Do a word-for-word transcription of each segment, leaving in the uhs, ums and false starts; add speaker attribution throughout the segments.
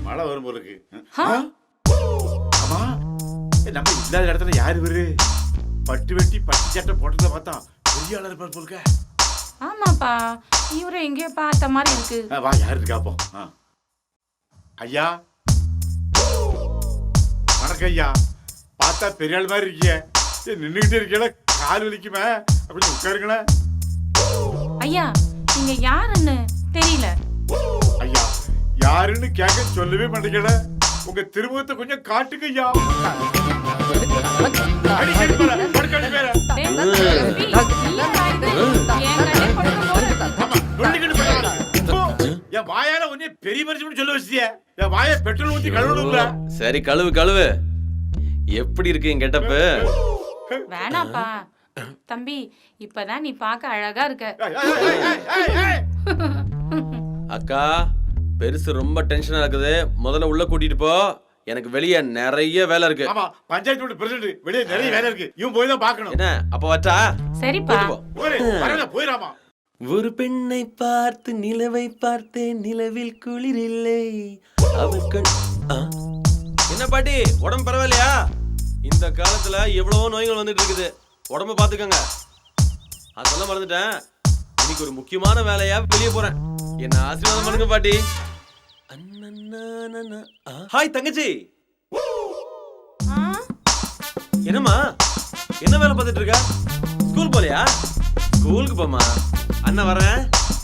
Speaker 1: மழை வரும் போல இருக்கு. ஆமா, நம்ம இல்லாத இடத்துல யாரு இவரு? பட்டு வெட்டி பட்டு சட்டை போட்டத பார்த்தா பெரிய ஆளா இருப்பார் போல.
Speaker 2: ஆமாப்பா, இவரை எங்கேயோ பார்த்த மாதிரி இருக்கு.
Speaker 1: வா, யாரு இருக்கா அப்போ? ஐயா, வணக்கம் ஐயா. பார்த்தா பெரிய ஆள் மாதிரி இருக்கிய. நின்றுகிட்டே இருக்கீங்களா? கால் வலிக்குமே, அப்படி உட்காருங்களேன்.
Speaker 2: ஐயா, நீங்க யாருன்னு தெரியல.
Speaker 1: ஐயா, யாருன்னு கேட்க சொல்லவே மாட்டேங்கல. உங்க திருமுகத்தை கொஞ்சம் காட்டுங்க ஐயா. என் வாயால ஒன்னே பெரிய மனுஷன் சொல்ல வச்சிய. என் வாய பெட்ரோல் ஊத்தி கழுவுல.
Speaker 3: சரி, கழுவு கழுவு. எப்படி இருக்கு என் கெட்டப்பு?
Speaker 2: வேணாப்பா தம்பி, இப்பதான் நீ பார்க்க அழகா இருக்க.
Speaker 3: அக்கா, பெருசு ரொம்ப டென்ஷனா இருக்குது. முதல்ல உள்ள கூட்டிட்டு போ. எனக்கு வெளியே நிறைய வேலை இருக்கு.
Speaker 1: ஆமா, பஞ்சாயத்து பிரசிடென்ட் வெளியே நிறைய வேலை இருக்கு. இவன் போய் தான் பார்க்கணும்.
Speaker 3: என்ன அப்ப வச்சா?
Speaker 2: சரிப்பா,
Speaker 1: போயிராமா.
Speaker 3: ஒரு பெண்ணை பார்த்து நிலவை பார்த்தேன், நிலவில் குளிர் இல்லை அவர்கள். என்ன பாட்டி, உடம்பு பரவாயில்லையா? இந்த காலத்துல எவ்வளவோ நோய்கள் வந்துட்டு இருக்குது. உடம்ப பாத்துக்கங்க. அதெல்லாம் மறந்துட்டேன். இன்னைக்கு ஒரு முக்கியமான வேலையா வெளியே போறேன். என்ன ஆசீர்வாதம் பண்ணுங்க பாட்டி. ஹாய் தங்கச்சி. என்னம்மா, என்ன வேலை பார்த்துட்டு இருக்க? ஸ்கூல் போலையா? ஸ்கூலுக்கு போமா. அண்ணா வரேன்.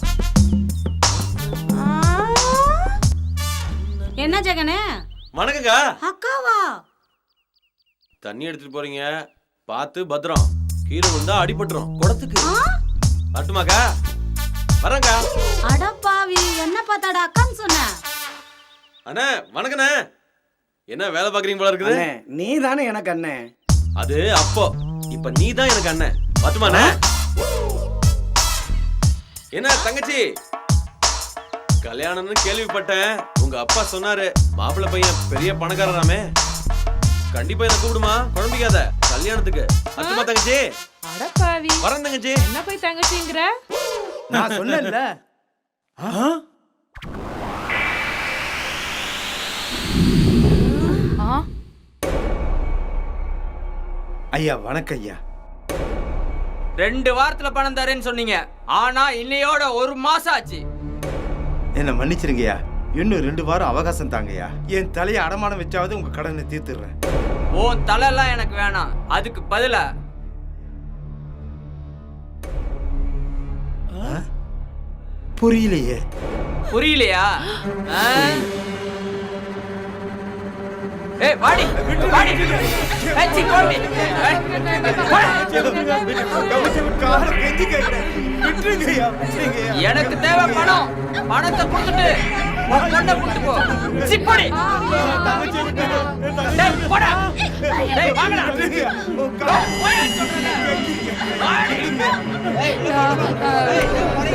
Speaker 2: என்ன ஜெகனே?
Speaker 3: வணக்கங்க.
Speaker 2: அக்காவா?
Speaker 3: தண்ணி எடுத்துட்டு போறீங்க, பார்த்து பத்திரம். கீழே வந்தா அடிபட்டுரும். குடத்துக்கு அட்டுமாக்கா. வரங்க.
Speaker 2: அடப்பாவி, என்ன பார்த்தாடா அக்கான்னு சொன்ன?
Speaker 3: அண்ணே வணக்கண்ணே. என்ன வேலை பாக்குறீங்க போல இருக்குது?
Speaker 4: நீ தானே எனக்கு அண்ணன்.
Speaker 3: அது அப்போ, இப்ப நீ தான் எனக்கு அண்ணன். பத்துமாண்ணே. என்ன தங்கச்சி, கல்யாணம்னு கேள்விப்பட்டேன். உங்க அப்பா சொன்னாரு, மாப்பிள்ளை பையன் பெரிய பணக்காரராமே. கண்டிப்பா என்ன கூப்பிடுமா, குழம்பிக்காத. கல்யாணத்துக்கு அத்துமா தங்கச்சி.
Speaker 2: அடப்பாவி,
Speaker 3: வரேன் தங்கச்சி.
Speaker 2: என்ன போய் தங்கச்சிங்கற?
Speaker 4: நான் சொன்னேன்ல. ஐயா வணக்கம் ஐயா.
Speaker 5: ரெண்டு வாரத்துல பணம் தரேன்னு சொன்னீங்க, ஆனா இன்னையோட ஒரு மாசம் ஆச்சு.
Speaker 4: என்ன மன்னிச்சிருங்கய்யா, இன்னும் ரெண்டு வாரம் அவகாசம் தாங்கய்யா. என் தலையை அடமானம் வச்சாவது உங்க கடனை தீர்த்துறேன்.
Speaker 5: உன் தலையெல்லாம் எனக்கு வேணாம். அதுக்கு பதிலா
Speaker 4: புரியலையே.
Speaker 5: புரியலையா? ஏய் வாடி வாடி. ஏய் சி கோடி. எனக்கு தேவை பணம். பணத்தை கொடுத்துட்டு பொண்ணை கூட்டி போ. சி போடி. டேய் போடா. டேய் வாங்கடா. வாடி. ஏய்